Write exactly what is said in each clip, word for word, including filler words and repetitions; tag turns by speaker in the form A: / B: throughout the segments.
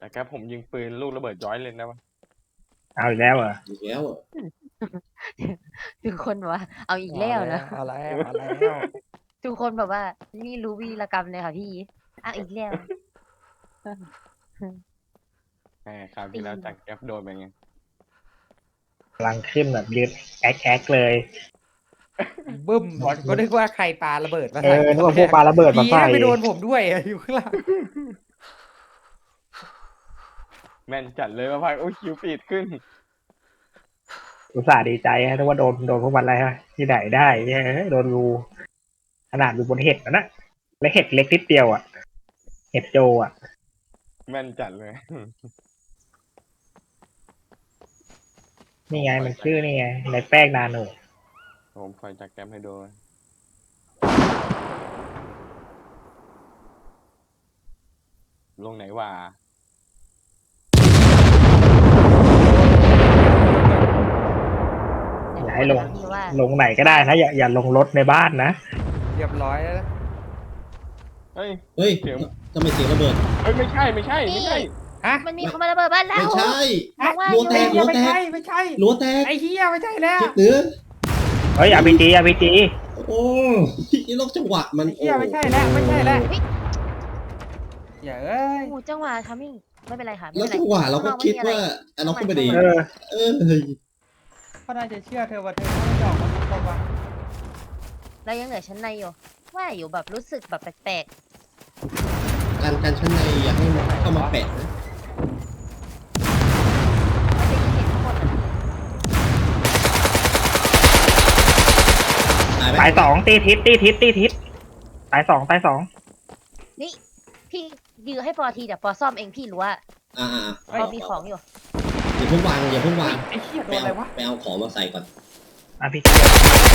A: แต่แค่ผมยิงปืนลูกระเบิดย้อยเลยนะวะ
B: เอาอีกแล้วเหรอ
C: อีกแล้วอ่ะ
D: ทุกคนแบบว่า เอาอีก
E: เอา
D: แล้ว
E: แล้
D: นะ
E: วเอาแล้วเอาแล้ว
D: ทุกคนแบบว่า นี่รู้วีรกรรมเลยค่ะพี่เอาอีกแล้ว
A: แหมคราวที่แล้วจากแก๊ปโดนไปไง
B: กำลังขึ้นแบบยืดแอ๊กแอ๊กเลย
E: บึ้มก็นึกว่าใครปาระเบิดมา
B: เอ
E: ใส่
B: อนึกว่าพวกปาระเบิดมา
E: ดี
B: ใส่
E: นะไปโดนผมด้วยอะอยู่ข้างหลัง
A: แม่นจัดเลยว่าพายโอ้ยคิวปีดขึ้น
B: อุตส่าห์ดีใจฮะนึกว่าโดนโดนพวกมันอะไรฮะที่ไหนได้เนี่ยโดนรูขนาดอยู่บนเห็ดนะนะและเห็ดเล็กนิดเดียวอ่ะ เห็ดโจอ่ะ
A: แม่นจัดเลย
B: นี่ไงมันชื่อนี่ไงในแป้งนาโน
A: ผมคอยจากแก๊ปให้โดนลงไหนวะ
B: อย่าให้ลง
D: พี่ว่า
B: ลงไหนก็ได้นะอย่าอย่าลงรถในบ้านนะ
E: เรียบร้อยแล้วนะ
A: เฮ้ย
C: เฮ้ย
A: เสียง
C: ทำไมเสียงระเบิด
A: เฮ้ยไม่ใช่ไม่ใช่ไม่ใช่
E: ฮะ
D: มันมีคนมาระเบิดบ้านเรา
C: ไม่ใช่
D: บอกว่า
C: รั้วแตก
E: ไอ้เหี้
C: รั้
E: ยว ไม่
C: แตก
E: ใช่ไม่ใช่
C: รั้วแตก
E: ไอ้เหี้ยไม่ใช่แล้ว
C: ชิดเหนือ
B: เฮ้ยอาร์พีจีอาร์พีจี
C: โอ้ยลกจังหวะมัน
E: ไอ้เหี้ยไม่ใช่แล้วไม่ใช่แล้วอย่าเอ้ย
D: โอ้โหจังหวะทามิ่งไม่เป็นไรค่ะไม่
C: แล้ว
D: เป็นไร
C: จังหวะเราก็คิดว่าอันนั้นก็ไม่ดี
B: เออ
C: เออ
E: ก็น่าจะเชื่อเธอว่าเธอไม่ยอมมาตรงว่า
D: เรายังเหลือชั้นในอยู่ว่าอยู่แบบรู้สึกแบบแปลก
C: การการชั้นในอยากให้มันเข้ามาแปะนะ
D: ๆมันจะยิงเห็นทั้งหมดอะ
C: ตายไหม
B: ตายสองตีทิศตีทิศตีทิศตายสองตายสอง
D: นี่พี่ยื้อให้ปอทีเดี๋ยวปอซ่อมเองพี่รู้ว่า
C: อ่า
D: ปอมีของอยู่
C: อย่าเพิ่งวางอย่าเพิ่งวาง
E: ไอ้เหี้ยโด
C: ไป
E: นอะไร
C: เอา
E: วะ
C: ไปเอาของมาใส่ก่อน
B: อาร์พีจี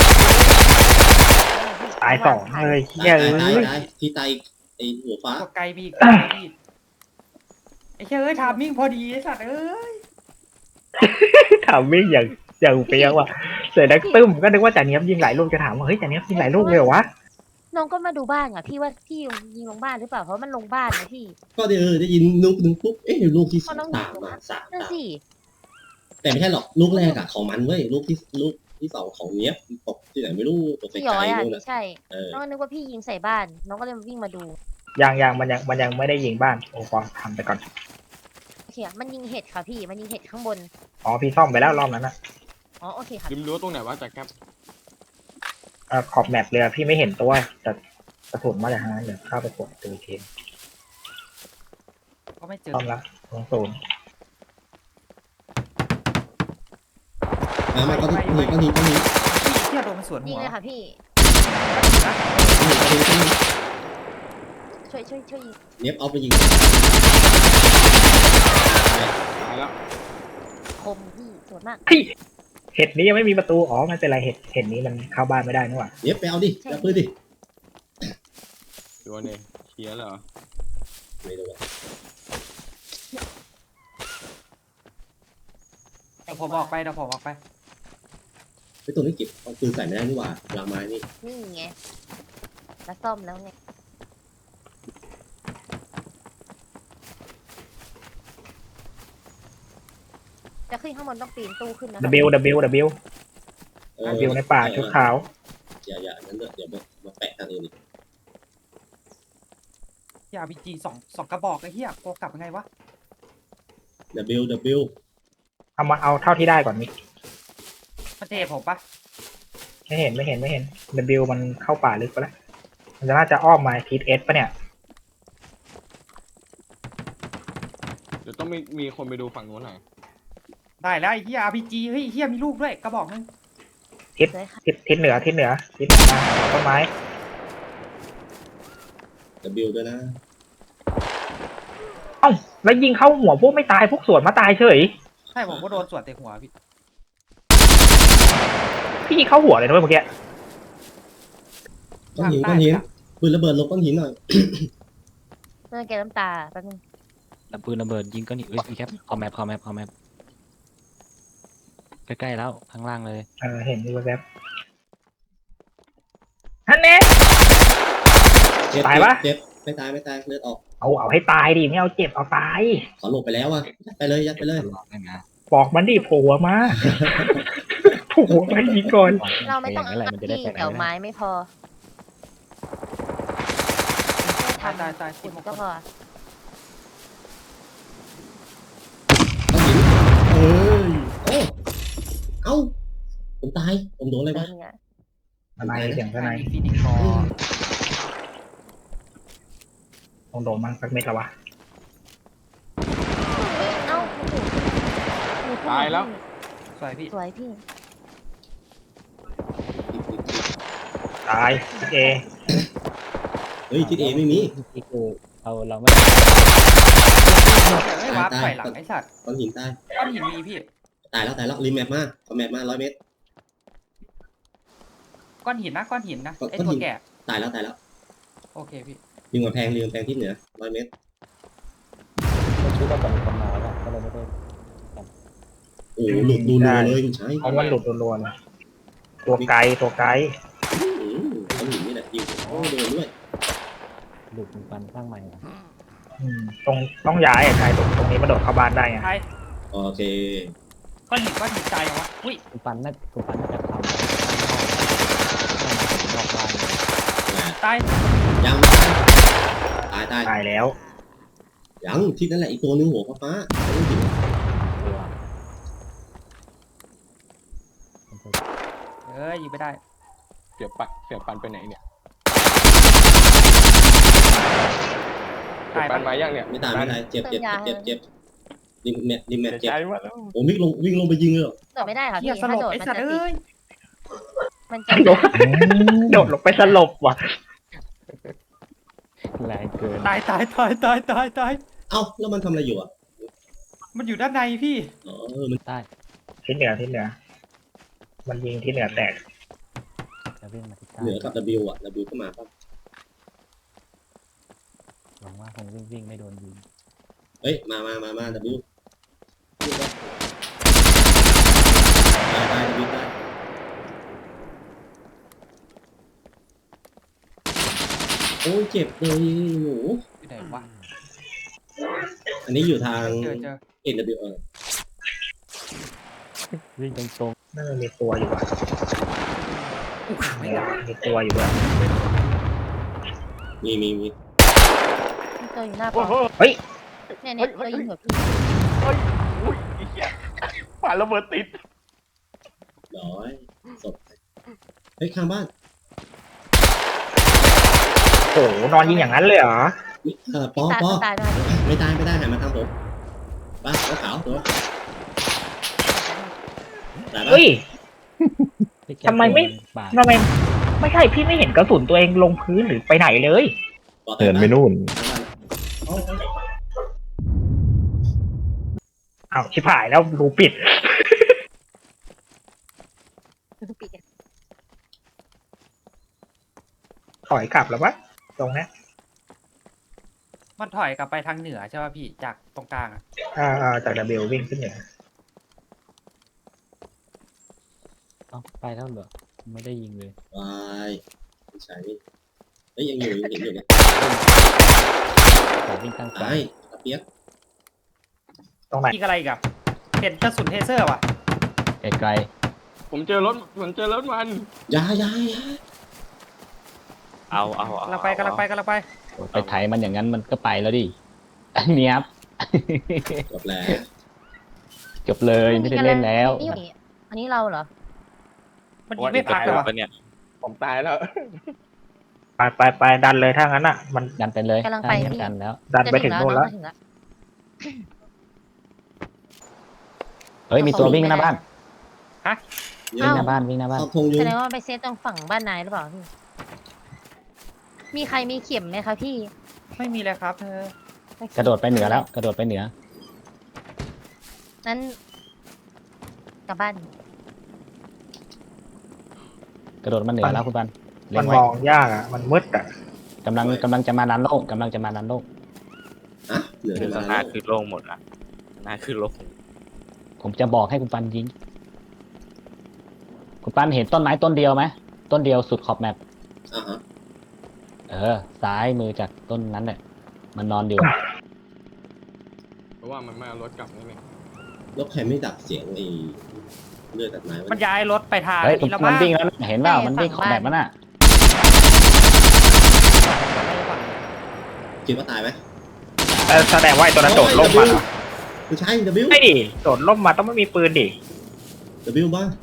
B: ตายสองเลย
C: ตาย
B: เฮ้ย
C: ตาย
B: เอ้ย
C: ตายที่ตายไอหัวฟ้า
E: ตัวไกลมีอีกตัวไกลมีอีกไอ้เหี้ยเอ้ยทามมิ่งพอดีไอ้สัตว์เอ้ย
B: ถามไม่อย่างอย่างเปียกว่ะเสร็จแล้วตึ้มก็นึกว่าจ่าเนี้ยบยิงหลายลูกจะถามว่าเฮ้ยจ่าเนี้ยบยิงหลายลูกเลยเหรอวะ
D: น้องก็มาดูบ้านอ่ะพี่ว่าพี่ยิงลงบ้านหรือเปล่าเพราะมันลงบ้านนะพี่
C: ก็ได้เออได้ยินลูกหนึ่งปุ๊บเอ๊ะลูกที่
D: เพราะน้อง
C: ตามมาสาม
D: นั่น
C: ตาม
D: สิ
C: แต่ไม่ใช่หรอกลูกแรกอะของมันเว้ยลูกที่ลูกที่สองของเนี้ยตกที่ไหนไม่รู้ตกไก
D: พี่
C: ล
D: ย้อย
C: ๆ
D: อ่ะ
C: นู่น
D: ไม่
C: น่ะ
D: ใช่
C: เออ
D: น้องก็นึกว่าพี่ยิงใส่บ้าน น้องก็เลยวิ่งมาดู
B: ยังยังมันยังมันยังไม่ได้ยิงบ้านโอ้ฟองทำไปก่อน
D: โอเคอะมันยิงเห็ดค่ะพี่มันยิงเห็ดข้างบน
B: อ๋อพี่ซ่อมไปแล้วรอบนั้นนะ
D: อ๋อโอเคค่ะ
A: ริมรั้วตรงไหนวะจากแก๊ป
B: เอ่อขอบแมปเลยอะพี่ไม่เห็นตัวแต่กระสุนมาจากทางนั้นเดี๋ยวเข้าไปกดดูอีกที
E: ก็ไม่เจอ
B: ซ่อมละตรงศูนย์
C: มามาก็ทีก็ทีก็ที
E: ไอ้เหี้ยโดนมันสวน
D: ยิ
E: หั
D: ง
E: ว
D: เลยค่ะพี่
C: ก็ทีก็ที
D: ช่วยช่วยช่วยยิง
C: เนี้ยเอาไปยิง
A: ตายแล้ว
D: คมพี่สวยมาก
B: เห็ดนี้ยังไม่มีประตูอ๋อไม่เป็นไรเห็ดเห็ดนี้มันเข้าบ้านไม่ได้นี่หว่า
C: เนี้ยไปเอาดิจับปืนดิ
A: ตัวเนี่ยเคลียร์เหรอ
C: ไม่รู้อะ
E: เดี๋ยวผมออกไปเดี๋ยวผมออกไป
C: ไอ้ตัวนี้เก็บเอาปืนใส่ไม่ได้นี่หว่าลางไม้นี่
D: นี่ไงแล้วซ่อมแล้วไงจะขึ้นข้างบนต้องปีนตู้ขึ้นนะ
B: ดับเบิลดับเบิลดับเบิล
C: เออ
B: ดับเบิลในป่าชุดขาว
C: อย่าอย่านั้นเดี๋ยวเดี๋ยวมามาแปะทางอื่นอีก
E: ยาบีจีสองสองกระบอกไอ้เหี้ยโกกลับยังไงวะ
C: W W
B: เอามาเอาเท่าที่ได้ก่อนมิก
E: มันเทผมปะ
B: ไม่เห็นไม่เห็นไม่เห็นดับเบิลมันเข้าป่าลึกไปแล้วมันจะน่าจะอ้อมมาทิศเอสปะเนี่ย
A: เดี๋ยวต้องมีมีคนไปดูฝั่งนู้นหน่อย
E: ได้แล้วไอ้เหี้ยอาร์พีจีเฮ้ยไอ้เหี้ยมีลูกด้วยกระบอกนึง
D: เลยค่ะ
B: ทิศทิศเหนือทิศเหนือทิศเหนือมาต้นไม้
C: W ด้วยนะ
B: เอ้าแล้วยิงเข้าหัวพวกไม่ตายพวกสวนมาตายเฉย
E: ใช่ผมก็โดนสวนเตะหัวพี่
B: พี่ยิงเข้าหัวเลยนะเว้ยเมื่อกี้
C: ก้อนหินก้อนหินปืนระเบิดลงก้อนหินหน่อย
D: เมื่อแกน้ำตาแป๊บนึง
F: ดับปืนระเบิดยิงก็หนีเอ้ยพี่แคปคอมแมปคอมแมปคอมแมปใกล้ๆแล้วข้างล่างเลย
B: เออเห็นอยู่แวบฮันเน่
C: เจ็บ
B: ตายปะ
C: เจ็บไปไม่ตายไม่ตายเลือดออก
B: เอาเอาให้ตายดิไม่เอาเจ็บเอาตาย
C: ขอหลบไปแล้วอ่ะยัดไปเลยยัดไปเลย
F: ตลอดได้นะ
B: บอกมันดิโผล่หัวมาโผล่หัวมายิงก่อน
D: เราไม่ต้อง
F: ย่างนั้นแหละมันจะได้
D: พี่
F: ไปไหน
D: เดี๋ยว
F: ไม่ได้
D: ไม้ไม่พอ
E: ตายตายตาย
D: ขุ
E: สิบ
D: ด
E: หก
D: ก็
E: คน
D: พอ
C: เอ้ยโอ้เอ้าผมตายผมโดนอะไร
D: เดิ
C: วะ
D: นเนี่ย
B: ทนายเสียงทนาย
E: ฟินิกคอ
B: ต้องโดนมันสักเม็ดแล้ววะ
D: เอ้าโอ้โหหนูพูด
A: ตายแล้ว
E: สวยพี่
D: สวยพี่
B: ตายเอ
C: เฮ้ยทิศเอไม่มี
F: ที่คือเราเราไม่
E: เอ้ยวาร์ปถอยหลังไอ้สัตว์
C: ก้อนหินตาย
E: ก้อนหินมีพี่
C: ตายแล้วตายแล้วรีแมปมาเอาแมปมาร้อยเมตร
E: ก้อนหินนะก้อนหินนะ
C: ก้อน
E: ไอ้
C: ก้อน
E: ตัว
C: หิน
E: แก่
C: ตายแล้วตายแล้ว
E: โอเคพี่
C: ยิงกำแพงยิงกำแพงที่เหนือร้อยเมตร
F: คิดว่าจะมีคนมาแล้วก็เลยไม่ได้
C: โอ้โหหลุดดูรัวเลยคุณชาย
B: เพราะมันหลุดรัวๆนะตัวไกลตัวไกล
C: อืมก้อนหินนี่แหละยิงโอ้โดนด้วย
F: หลุดมีฟันข้างใหม่นะ
B: อืมตรงต้องย้ายอะใครตรงตรงนี้มาโดดเข้าบ้านได้ไง
E: ใช่
C: โอเค
E: ก้อนหินก้อนหินใจเหรอวะอุ้ย
F: คุณฟันน่าคุณฟันน่าจะทำนอกบ้าน
E: ตาย
C: ยังตายตาย
B: ตายแล้ว
C: ยังทิศนั่นแหละอีกตัวนึงหัวฟ้าฟ้าไม่ถึง
F: ตัว
E: เอ้ยยิงไม่ได้
A: เสียปันเสียปันไปไหนเนี่ยเสี
E: ตาย ย
A: ปั
E: ปะ
A: นมายังเนี่ย
C: ไม่ตายไม่ตายเจ็บเจ็บเจ็บเจ็บริมแมปริมแมป
A: เสีย
C: เจ็บ
A: ใจมาแล้ว
C: โอ้วิ่งลงวิ่งลงไปยิงเลยเหรอ
D: โดดไม่ได้ค่ะ
E: เฮี
D: พี่
E: ยส
D: ถ้า
E: ลบ
D: โดด
E: ไอ้
D: มัน
E: สัต
D: จะ
E: ว์
D: ติด
E: เอ้ย
D: มันจะ
B: โดดโดดลงไปสลบว่ะ
F: แรงเกิน
E: ตายตายตายตายตายตาย
C: เอ้าแล้วมันทำอะไรอยู่อ่ะ
E: มันอยู่ด้านในพี่
C: อ๋อเออมัน
F: ได้
B: ทิศเหนือทิศเหนือ มันยิงทิศเหนือแตก
F: จะวิ่งมาที่ใต้
C: เหนือกับ W อ่ะ W ก็มาป่ะ
F: หวังว่าคงวิ่งวิ่งไม่โดนยิง
C: เฮ้ยมามามามา W ตายตาย W ตายโอ้ยเจ็บเลยหนู
E: อยู่ไหนวะ
C: อันนี้อยู่ทาง
E: เจอเจอ
C: N W เออ
F: วิ่งตรง
B: น่าจะมีตัวอยู่อ่ะ
E: ไม่
B: เนี่ย
E: ได้
B: มีตัวอยู่ด้วย
C: มีมีมี
D: มีตัวอยู่หน้าป
A: โอ้
D: อ
A: โห
B: เฮ้ย
D: เนี่ยเนี่ยตัวยิงหัวพี่
A: อุ้ยไอ้เหี้ยป่าระเบิดติด
C: ร้อยศพเฮ้ยข้างบ้าน
B: โอ้โหนอนยิงอย่างนั้นเลยเหรอ
C: นี่เออปอ
D: ตาย
C: ปอ
D: ตายด้วยพี่
C: ไม่ตายไม่ได้หันมาทางผมป้าตัวขาวตัวตายปะ
B: เฮ้ย
F: ๆพี่แก
B: ทำไมไม่
F: บาด
B: ทำไมไม่ใช่พี่ไม่เห็นกระสุนตัวเองลงพื้นหรือไปไหนเลย
C: ปอตาย
G: เดิน
C: ปะ
G: ไปนู่น
C: เอาเอา
B: อ้าวชิบหายแล้วรูปิด
D: ปิด
B: ถอยกลับแล้ววะตรงเนี้ย
E: มันถอยกลับไปทางเหนือใช่ป่ะพี่จากตรงกลางอะ
B: อ่าอ่าจากดับเบิลวิ่งขึ้นเหนือ
F: เอ้าไปแล้วเหรอไม่ได้ยิงเลย
C: วายไม่ใช่นี่เฮ้ยยังอยู่ยังเห็นอยู่เนี่ย
F: แต่วิ่งตั้งใจ
C: ตายตะเปียก
B: ตรงไหน
E: ยิงอะไรอีกับเห็นกระสุนเทเซอร์ว่ะ
F: ไกล
A: ผมเจอรถผมเจอรถมัน
C: อยาอยาอยา
H: เอาเอาเอา
E: กำลังไปกำลังไปกำลังไป
F: ๆไปไถมันอย่างนั้นมันก็ไปแล้วดิ เนี้ยบ
C: จบแล้ว
F: จบเลยไม่ได้เล่นแล้ว
D: นี่อันนี้เราเหรอ
E: มันยิงไม่พักเลย
H: ป
E: ว่ะ
H: เนี่ย
A: ผมตายแล้ว
B: ไปไปไปดันเลยถ้างั้นอ่ะ มัน
F: ดันไปเลย
D: กำลังไป
F: ดัน
D: พี่
F: กันแล้ว
B: ดันไปถึงโน่นแล้ว
D: จะถึงแล้ว
F: เฮ้ยมีตัววิ่งหน้าบ้าน
C: เย
F: วิ่ง
C: อะ
F: หน้าบ้านวิ่งหน้าบ้าน
C: เข้าพงอ
D: แส
C: ยู่
D: ดงว่ามันไปเซฟตรงฝั่งบ้านนายหรือเปล่าพี่ มีใครมีเข็มไหมคะพี่
E: ไม่มีเลยครับเธอก
F: ระโดดไปเหนือแล้ว กระโดดไปเหนือ
D: นั้นกลับบ้าน
F: กระโดดมาเหนือแล้วคุณปันเล็
B: มัน
F: ง
B: ม
F: ไว้
B: องยากอ่ะ มันมืดอ่ะ
F: กำลังกำลังจะมาดันโลกกำลังจะมาดันโลก
C: อ่ะเหลือ
H: คือ
C: มา
H: ข้างหน้าคือโล่งหมดละข้างหน้าคือโล่ง
F: ผมจะบอกให้คุณปันยิง คุณปันเห็นต้นไม้ต้นเดียวไหมต้นเดียวสุดขอบแมป
C: อ่ะฮะ
F: เออ ซ้ายมือจากต้นนั้นเนี่ยมันนอนอยู่
A: เพราะว่ามันไม่เอารถกลับนี่ไง
C: แล้วใครไม่ดับเสียงไอ้เลือดตัดไม้
E: มัน
C: วะ
E: ย้ายรถไปทาง
F: เฮ้ย
E: นี้แล้ว
F: มั
E: มั้
F: น
E: ง
F: วิ่งแล้วนะเห็นเปล่ามันวิ่งขอแบบมันอ่ะ
C: คิดว่าตายไหม
B: แต่แสดงว่าไอ้ตัวนั้นโดดล่มมาเหรอ
C: ไม่ใช่ W
B: ไม่ดิโดดล่มมาต้องไม่มีปืนดิ
C: W บ้าง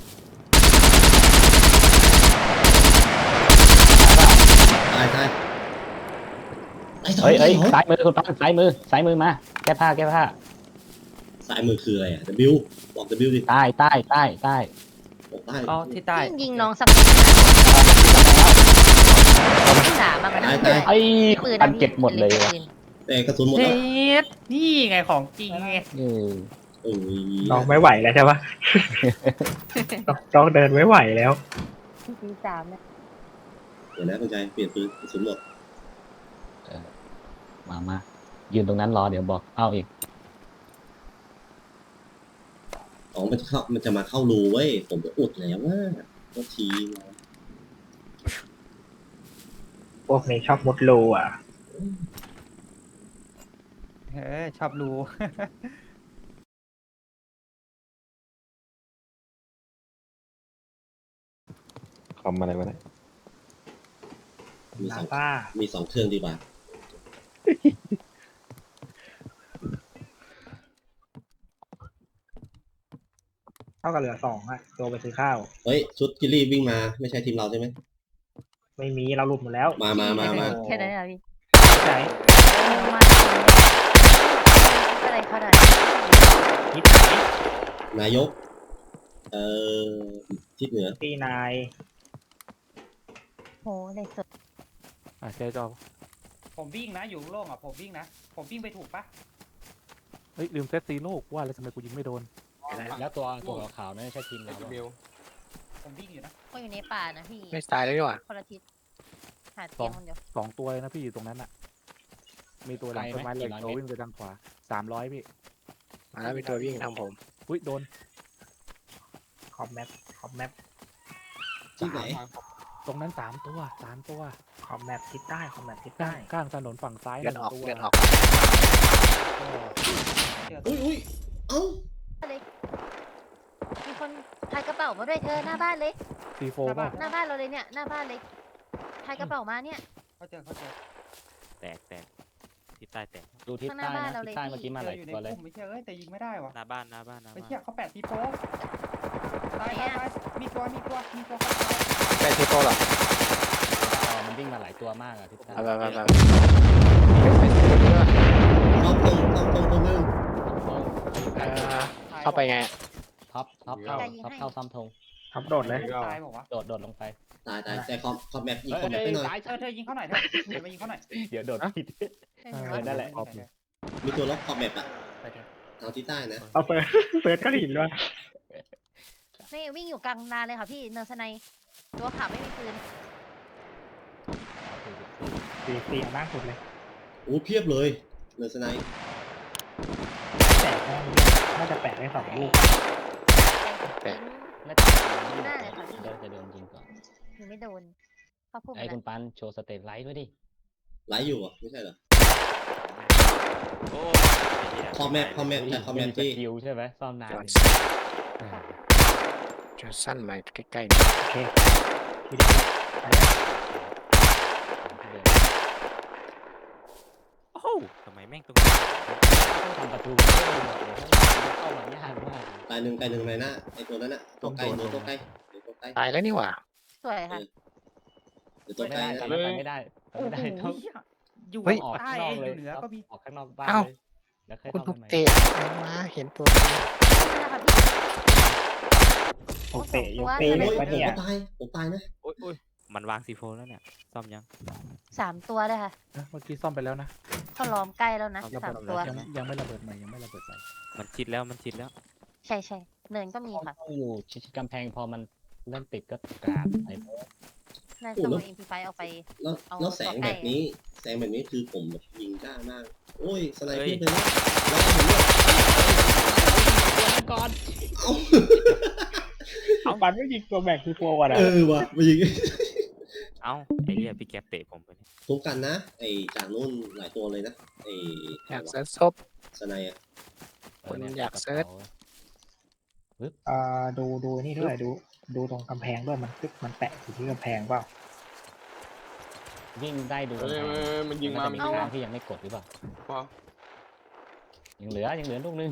C: ตายตายไอ้สอง
F: เฮ้ยเฮ้ย
C: ไอ้สอง
F: ซ้ายมือคุณป้าซ้ายมือซ้ายมือมาแก้ผ้าแก้ผ้า
C: ซ้ายมือคืออะไรอ่ะ W บอก W ดิ
F: ใต้ใต้ใต้ใต้
C: บอกใต้
E: อ๋อที่ใต้
D: พี่ยิงน้องสักสามมาก็ได้
F: ไอ้
D: ปืน
F: ปันเก็บหมดเลย
D: ปื
F: ว่ะ
D: น
C: แต่กระสุนหมด
E: เฮ
C: แล้ว
E: ดนี่ไงของจริงไง
F: เออ
C: โอ้ย
B: น้องไม่ไหวแล้วใช่ปะ ต้องต้องเดินไม่ไหวแล้ว
D: ปืนสามเนี่ย
C: เดี๋ยวนะคุณชายเปลี่ยนปืนกระสุนหมด
F: มามายืนตรงนั้นรอเดี๋ยวบอกเอาอีก
C: อ๋อมันจะเข้ามันจะมาเข้ารูเว้ยผมจะอุดแล้วว่าก็ทีนะ
B: พวกนี้ชอบมุดรูอ่ะ
E: เออชอบรู้
A: คอมอะไรวะเนี่ย
C: มีส
B: นา
C: อง
B: ซ่า
C: มีสองเครื่องดีกว่า
B: เท่ากับเหลือสองอะตัวไปซื้อข้าว
C: เฮ้ยชุดกิลลี่วิ่งมาไม่ใช่ทีมเราใช่ไหม
B: ไม่มีเราหลุดหมดแล้ว
C: มามามามา
D: แค่นั้นเหรอพี่
B: ไหน
D: มาอะไรเขาได้
B: ทิศไหน
C: นายก เอ่อทิศเหนือ
B: ตีนาย
D: โหเลยสุด
F: อ่ะเจ๊จอ
E: ผมวิ่งนะอยู่โล่งอ่ะผมวิ่งนะผมวิ่งไปถูกปะ
G: เฮ้ยลืมเซตซีโร่ว่าแล้วทำไมกูยิงไม่โดน
F: แล้วตัวตัวขาวๆนั่นใช่ทีมเราปะ
A: บิล
E: ผมวิ่งอยู่นะ
D: ก็อยู่ในป่านะพี่
G: ไม่ตายแล้วดีกว่า
D: คนละทิศหาเตียงคนเดียว
G: สองตัวเลยนะพี่อยู่ตรงนั้นอ่ะ มีตัวหลังต้นไม้เหล็กตัววิ่งไปทางขวาสามร้อยพี่
I: มาแล้วมีตัววิ่งทางผม
G: อุ้ยโดน
B: ขอบแมปขอบแมป
C: ที่ไหน
G: ตรงนั้นสามตัวสามตัว
B: ขอบแมปทิศใต้ขอบแมปทิศ
G: ข้า
B: ใต้
G: งข้างถนนฝั่งซ้าย
I: เลือดออก
G: หงตัว
I: เลือดออก
E: เดี๋ยว
C: อุ้ยอุ้ยเอ้า
D: เลยมีคนพายกระเป๋ามาด้วยเธอหน้าบ้านเลย
G: ซีโฟป่ะ
D: หน้าบ้านเราเลยเนี่ยหน้าบ้านเลยพายกระเป๋ามาเนี่ย
E: เขาเจอเขาเจอ
H: แตกแตกที่ใต้แตก
F: ดูทิศใต้นะทิศใต้เมื่อกี้มาห
E: เจ
F: ลา
E: อย อยู่ใน
F: ตัวเลย
E: กลุ่มไม่เชื่อเอ้ยแต่ยิงไม่ได้วะ
H: หน้าบ้านหน้าบ้านหน้า
E: ไม่
H: บ้าน
E: เชื่อเขาแปดทีโฟตายตายตายมีตัวมีตัวมีตัวเข้าไป
I: ใช่ที่โตหรอ
F: อ๋อมันวิ่งมาหลายตัวมากอะทิศใต้
I: ไปไปไปไป
C: เข้าตรงเข้าตรงตัวนึง
I: เอ่อเข้าไปไง
F: ท็อปท็อปเข้าท็อปเข้าซ้ำธง
B: ทับโดดเลย
E: ตายบอกว่า
F: โดดโดดลงไป
C: ตายตายแต่คอมคอมแมปยิง
F: เฮ้ย
C: คอมแมปไปหน่อย
F: ซ้าย
E: เธอเธอยิงเขาหน่อยเถอะเดี๋ยวมายิงเขาหน่อย
F: เดี๋ยวโดดผิด
D: เออ
F: เออนั่นแหละ
C: มีตัวล็อกคอมแมปอะ
F: ไปเถอะ
C: ทางทิศใต้นะ
B: เอาเฟิร์สเฟิร์สก็หินด้วย
D: นี่วิ่งอยู่กลางนาเลยค่ะพี่เนินสไนตัวขาวไม่มีปืน
B: สีสีมากสุดเลย
C: โอ้เพียบเลยเรือสไนป์
B: แตกแน่น่าจะแปะได้สองลูก
D: แต่
F: น่า
D: ไม่ได้เลยค่ะพี่
F: จะจะโดนยิงก่อน
D: หนูไม่โดนเขาพูด
F: ไอ้
D: มา
F: คุณปันโชว์สเตตไลท์ด้วยดิ
C: ไลฟ์อยู่อ่ะไม่ใช่เหรอ
H: โอ้
C: คอมแมปคอมแมปแต่คอมแมป
F: ที่
C: ที่
F: คิวใช่ไหมซ่อมนาน
I: จอห์น
F: อ่า
I: จอห์นสั้นมาใกล้
B: โอเคทีเดียวไปแล้ว
H: โอ้โหทำไมแม่งตรงนี้
F: ต้องทำประตูเพิ่มหมดเลยเข้ามายากมาก
C: ตายหนึ่งตายหนึ่งในหน้าไอตัวนั้นอะตัวไกลเดี๋ยวตัวไกลเดี๋ยวตัวไกล
I: ๆตายแล้วนี่หว่า
D: สวยค่ะ
C: เดี๋ยวตัว
F: ไม่
C: ไกล
F: ได้
C: นะ
F: ตอนนั้นไปไม่ได้
E: โอ้
F: ไม่
E: โห
F: ได้ต้อง
E: อยู่
I: เฮ้ย
F: ออก
E: ใต้
F: ข้างนอก
E: อ
F: เลย
E: ยู่เหนือก็มี
F: ออกข้างนอกบ้าน
I: เอ้า
F: เลยแล้วค่อย
I: คุณ
F: เข้า
I: ทุ
F: ไป
I: ก
F: ใหม่
I: เตะมาเห็นตัว
D: นี่แหละค่ะพี่
B: ผมเตะยก
D: โอ้
B: เตะ
D: โห
B: เล็ก
C: โอ้ย
B: ปะเนี่ย
C: ผมตายผมตายนะ
H: โอ้ยโอ้ยมันวางซีโฟแล้วเนี่ยซ่อมยัง
D: สามตัวเลยค่ะ
G: เอ้ยเมื่อกี้ซ่อมไปแล้วนะ
D: เขาล้อมใกล้แล้วนะ
H: เอา
D: สาม
H: ระเบิด
D: ตัว
H: ใช่
G: ยัง
H: ไหม
G: ยังไม่ระเบิดใหม่ยังไม่ระเบิดใหม่
H: มันชิดแล้วมันชิดแล้ว
D: ใช่ใช่เนินก็มีค่ะ
F: ต้องอยู่ชิดๆกำแพงพอมันเริ่มติดก็กราบไป
D: น่าจะเอาอินพีไฟเอาไป
C: แล้ว
D: เอา
C: แล้วแสง
D: ตัวใกล้
C: แบบนี้ แสงแบบนี้คือผมแบบยิงกล้ามาก โอ้ยสไน
H: เฮ้ย
C: เปอร์เลยนะแล้วก็ผมเนี่ย
F: ก่อน
C: เอ้า
B: ปันไม่ยิงตัวแบกคือโฟก่อนอะ
C: เออว่ะมายิง
H: เอ้าไอ้เหี้ยพี่แก๊ปเตะผมไปเนี่ย
C: คุ้มกันนะไอ้จากนู่นหลายตัวเลยนะไอ้
I: อยากเซิร์ชศพ
C: สไนอะ
I: คุณอยากเซิร์ช
B: เอ่อดูดูนี่ด้วยดูดูตรงกำแพงด้วยมันตึกมันแปะอยู่ที่กำแพงเปล่า
F: วิ่งได้ดู
A: เอ้ยเอ้ยมันยิงมา
F: จะ
A: มัน
F: มี
A: ยิง
F: ทา
A: มา
F: งที่ยังไม่กดหรือเปล่า
A: พอ
F: ยังเหลือยังเหลือลูกนึง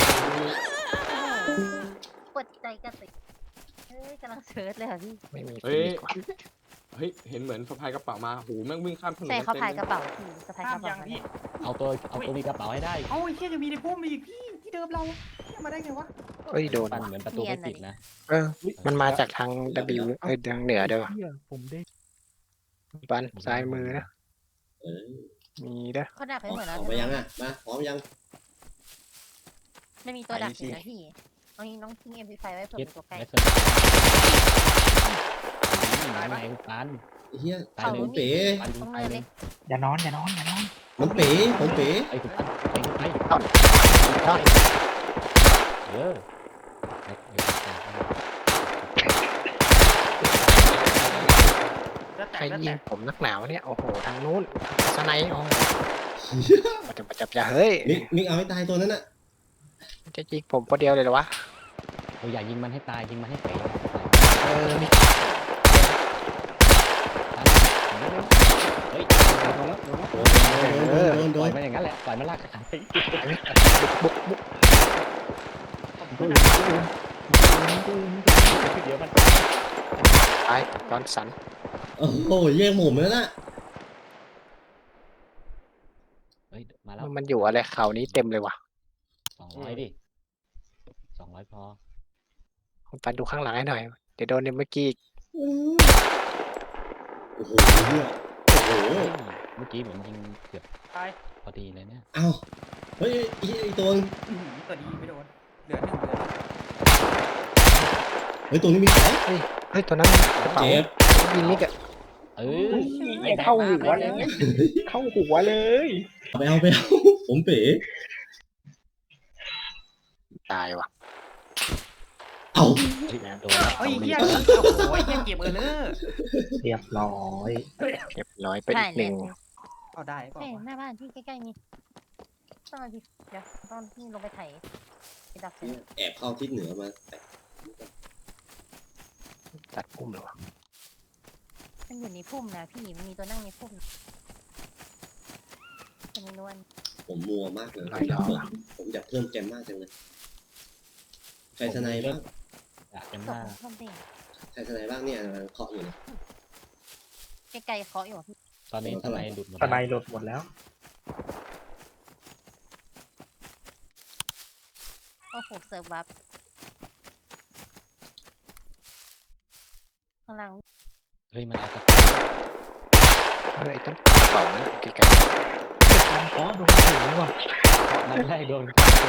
D: กดใจกระติกเฮ้ยกำลังเซิร์ชเลยค่ะพี่
I: ไม่มี
A: เฮ้ย
I: ฟินิกว่ะ
A: เฮ้ยเห็นเหมือนสะพายกระเป๋ามาหูแม่งวิ่งข้ามถนน
D: ใช่เขา
A: ต็ม
D: พาย
A: ล
D: กระเป๋าพี่สะพาย
E: ข้าก ม
D: ระ
E: ยั
D: เป๋าง
E: พี่
F: เอาตัวเอาตัวมีกระเป๋าให้ได้
E: เอ้าไอ้เหี้ยจะมีในพุ่มอีกพี่ที่เดิมเราเนี่ยมาได้ไงวะ
I: เอ้ยโดน
F: ปันเหมือนประตูไม่ติดนะ
I: เออ มันมาจากทาง W เอ้ยทางเหนือเด้อ
G: เหี้ยผมได้
I: ปันซ้ายมือนะ
C: เออ
I: มีเด้อ
D: เขาดักไป
C: ออก
D: หมดแล้ว
C: ออกไปยังอะมาพร้อมยัง
D: ไม่มีตัวดักอยู่นะพี่เอานี้น้องทิ้งเอ็มพีไฟไว้เผื่อ
F: คิด
D: เป็นตัวใกล้
F: ไม่เคยตายไหมปัน
C: ไอ้เฮีย
F: ตาย
C: ผ
F: เลย
C: มเป๋
F: ปันยิ
D: ตรง ง
F: ตา
D: เนิ
F: ย
D: น
F: เล
D: เลย ย
B: อย่านอนอย่านอนอย่านอน
C: มันเป๋ผมเป๋
F: ไอ้คุณปันไปคุณไป
I: ต้นต้น
F: เออ
E: จะแต
I: ใคร
E: กจะ
I: ยิ
E: แต
I: ง
E: ก
I: ผมนักหนาวเนี่ย โอ้โห ทางนู้นสไนด์โอ้มันจะมันจะจะเฮ้ย
C: มิกมิกเอาให้ตายตัวนั้นน่ะ
I: มันจะยิงผมคนเดียวเลยเหรอวะ
F: เราอย่ายิงมันให้ตายยิงมันให้เป๋
I: เออมี
F: เฮ้ย
C: โดนโดนโดนโด
F: ปล่อย
C: น
F: มันอย่างนั้นแหละปล่อยมันลากขาไป
I: บุกบุก
F: เดี๋ยวมัน
I: ตายตอนสัน
C: โอ้โหแย่งหมุมแล้วน่ะ
F: เฮ้ยมาแล้ว
I: มันอยู่อะไรเขานี้เต็มเลยว่ะ
F: สองร้อยดิสองร้อยพอ
I: ผมปันดูข้างหลังให้หน่อย เดี๋ยวโดนเนี่ยเมื่อกี้
C: โอ้โหเฮียโอ้โห
F: เฮ้ยเมื่อกี้ผมยิงเกือบ
E: ตาย
F: พอดีเลยเนี่ย
C: เอ้าเฮ้ยไอ้ไอ้ตัวนึง
E: อื้อหือตัวดีไม่โดนเหลือหนึ่งเหลือหนึ่ง
C: เฮ้ยตัวนี้มีสอง
I: เฮ้ยตัวนั้นกระเป๋า
C: เจ็บ
I: ยิงนี่กะ
F: เออ
B: ไม่เข้าหัวเลยเข้าหัวเลย
C: เอาไปเอาไปเอาผมเป๋
I: ตายว่ะ
C: เอา
F: โดนแล้ว
E: เฮ้ยเหี้ย
F: โด
E: โอ้
F: น
E: โหเหี้ยเกมเออเลอร์
B: เรียบร้อย
I: เรียบร้อยไป
D: ใช่
I: อีกหนึ่ง
E: เอาได้เปล่า
D: เฮ้ยว
E: ะ
D: หน้าบ้านพี่ใกล้ๆนี่ต้องเอาพี่เดี๋ยวต้องพี่ลงไปไถไปดักเสร็จ
C: แอบเข้าทิศเหนือมาแต่
I: ตัดพุ่มเลยวะ
D: มันอยู่ในพุ่มนะพี่มันมีตัวนั่งในพุ่มจะมีนวล
C: ผมมัวมากเลย
I: ลอยดอก
C: ผม
I: อะ
C: ผมอยากเพิ่มแกมมากจังเลยใครสไนบ้าง
F: อยากจะ
D: ต
F: มาก
D: พุ่มเอง
C: ใครสไนบ้างเนี่ยเคาะอยู่เนี่ย
D: ใกล้ๆเคาะอยู่พี่
F: ตอนนี้ทนายหลุดหมด
B: สไน
F: แล้ว
B: หลุดหมดแล้ว
D: โอ้โหเซิร์ฟวับข้างล่าง
F: เฮ้ยมันเอากระ
I: เฮ้ยต้นกระเป๋านะไกล
B: การขอโดนถึงว่ะ
F: มันไล่โดนเป๋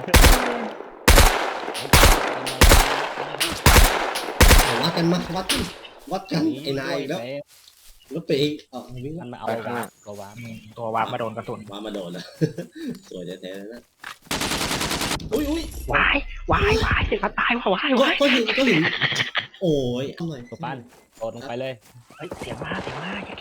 C: เอาวัดกันมาวัดกันวัดกันไอ้นายอีกแล้วแล้วเป๋เออวิ่ง
F: มันมาเอาวาร์ปก็วาร์ป
B: ตัววาร์ปมาโดนกระสุน
C: มามาโดนแล้ว สวยแท้ๆเลยนะอุ้ยอุ้ยว
B: ายวายวายมาตายว่ะวาย
C: ก็
B: วาย
C: ก็หินก็หินโอ้ยเอาหน่อย
F: ตัวปั้นโดดลงไปเลย
B: เฮ้ยเสียงมาเสียงมาอย่า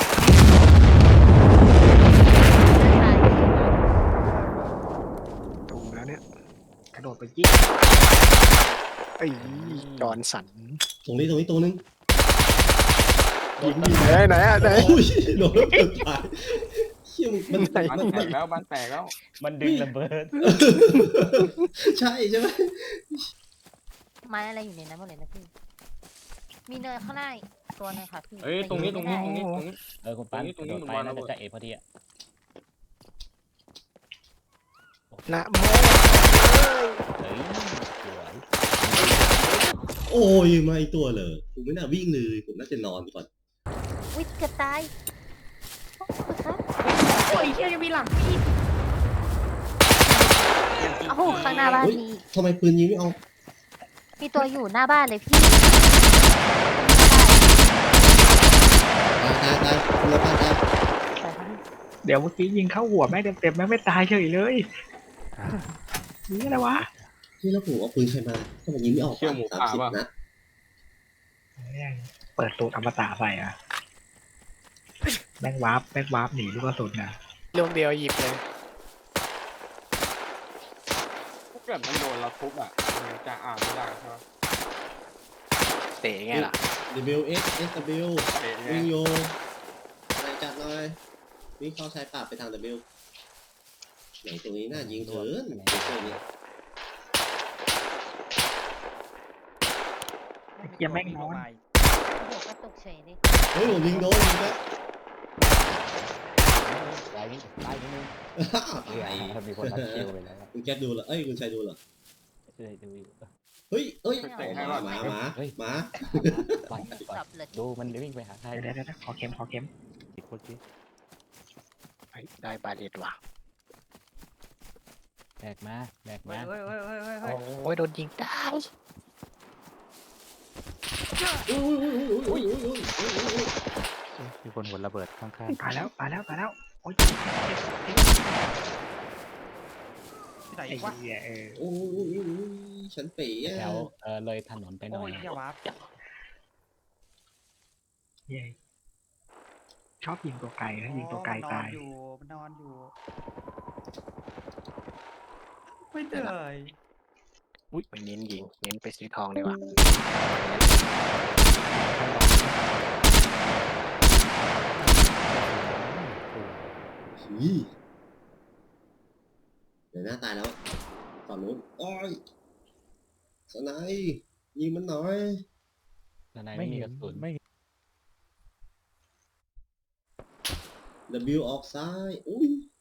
I: ๆตูมแล้วเนี่ย
B: กระโดดไปยิง
I: ไอ้ยจอนสัน
C: ตรงนี้ตรงนี้ตัวนึง
I: ยิงยิงไหนไหนอะไหน
C: โอ้ยโดนแล้วเกิดตายเชี่ยมันมัน
I: ไหน
A: บ้านแตกแล้วบ้านแตกแล้ว
F: มันดึงระเบิด
C: ใช่ใช่ไหม
D: ไม้อะไรอยู่ในนั้นหมดเลยนะพี่ มีเนินข้างหน้าอีกตัวหนึงค่ะพี่
A: เอ้ยตรงนี้ตรงนี้ตรงนี้ตรงนี้
F: เออคุณปั้น
A: ตรงนี้
F: โดด
A: ตรง
F: ไป
A: นี้
F: น่า
A: มันวางระเบิด
F: จะจะเอพอดีอะ
I: นะโม
F: เฮ้ยสวย
C: โอ้ยมาอีกตัวเลยผมไม่น่าวิ่งเลยผมน่าจะนอนก่อน
D: อุ้ยเกือบตายโอ้โหครับ
E: โอ้ยเหี้ยยังมีหลังพี่
D: โอ้โหข้างหน้าบ้านมี
C: ทำไมปืนยิงไม่เอา
D: มีตัวอยู่หน้าบ้านเลยพี่
C: ตายตายตายคุณละป้าตาย
B: เดี๋ยวเมื่อกี้ยิงเข้าหัวแม่งเต็มๆแม่งไม่ตายเฉยเลยนี่อะไรวะ
C: ที่แล้วผมเอาปืนใครมาทำไมยิงไม่ออก
A: เชี่ยวหมู
C: สาม
A: ป่า
C: สิบ
A: ป่ะ
C: นัด
B: แม่งเปิดสูตรอมตะใส่อ่ะแม่งวาร์ปแม่งวาร์ปหนีลูกกระสุนนะ
I: ลูกเดียวหยิบเลย
A: ถ้าเกิดมันโดนเราทุบอ่ะมันจะอ่านไม่ได้ใช่ไหม
I: เตะไงล่ะ
C: W S S W
A: เตะไง
C: วิ่งโยอะไรจัดหน่อยวิ่งเข้าชายป่าไปทาง W ไหนตรงนี้น่ายิงเถินตัวนี้
B: เกียแม่งนอน
D: โอ้โหกระตุกเฉยเลย
C: เฮ้ยผมยิงโดนยิงแล้ว
F: ไล่ไล่นิดนึง
C: ตาย
F: มีคนรัดคิวไปแล้ว
C: คุณแก๊สดูเหรอเอ้ยคุณชัยดูเหรอ
F: ช่วยดูอยู่
C: เฮ้ยเฮ้ย
A: เตะให้
C: ห
A: ก่
C: มา
A: อน
C: หมาหมา
F: เฮ้ย
C: หมา
F: ปล่อยปล่อย
D: สับเลย
F: ดูมันวิ่งไปหาใคร
B: เดี๋ยวเดี๋ยวเดี๋ยวขอเข็มขอเข็ม
G: อีกคนสิ
I: เฮ้ยได้บาเลตว่ะ
F: แบกมาแบก
E: เฮ้
F: มาย
E: เฮ้ยเฮ้ยเฮ้ยเฮ้ย
F: โอ้
E: เฮ้ย
I: โอ้ยโดนยิงตาย
C: อุ้ยอุ้ยอุ้ยอุ้ยอุ้ยอุ้ยอุ้ย
G: มีคนหัวระเบิดข้าง
B: ตายแล้วตายแล้วตายแล้วโอ้ย
E: ที่ไหน
B: ไอ้
E: วะ
B: เหี้ยเออ
C: โอ้ยอุ้ยอุ้ยอุ้ยฉันเป๋อะ
F: แถวเออเลยถนนไปหน่
E: โอ้
F: อย
E: ยเหี้ยวาร์ป
B: เหี้ยชอบยิงตัวไกลนะยิงตัวไกล
E: มันนอ
B: ตาน ย
E: อยู่มันนอนอยู่ ไม่เหนื่อย
I: อุ้ยไปเน้นยิงเน้นไปซื้อทองเลยว่ะ
C: ผีเดี๋ยวหน้าตายแล้วฝั่งนู้นโอ้ยสไนป์ยิงมันหน่อย
F: ด้านใน
G: ๆ
F: ไม่
G: ไม่
F: มี
G: เห็
F: ก
G: น
F: ระสุน
G: ไม่
C: W ออกซ้ายอุ้ย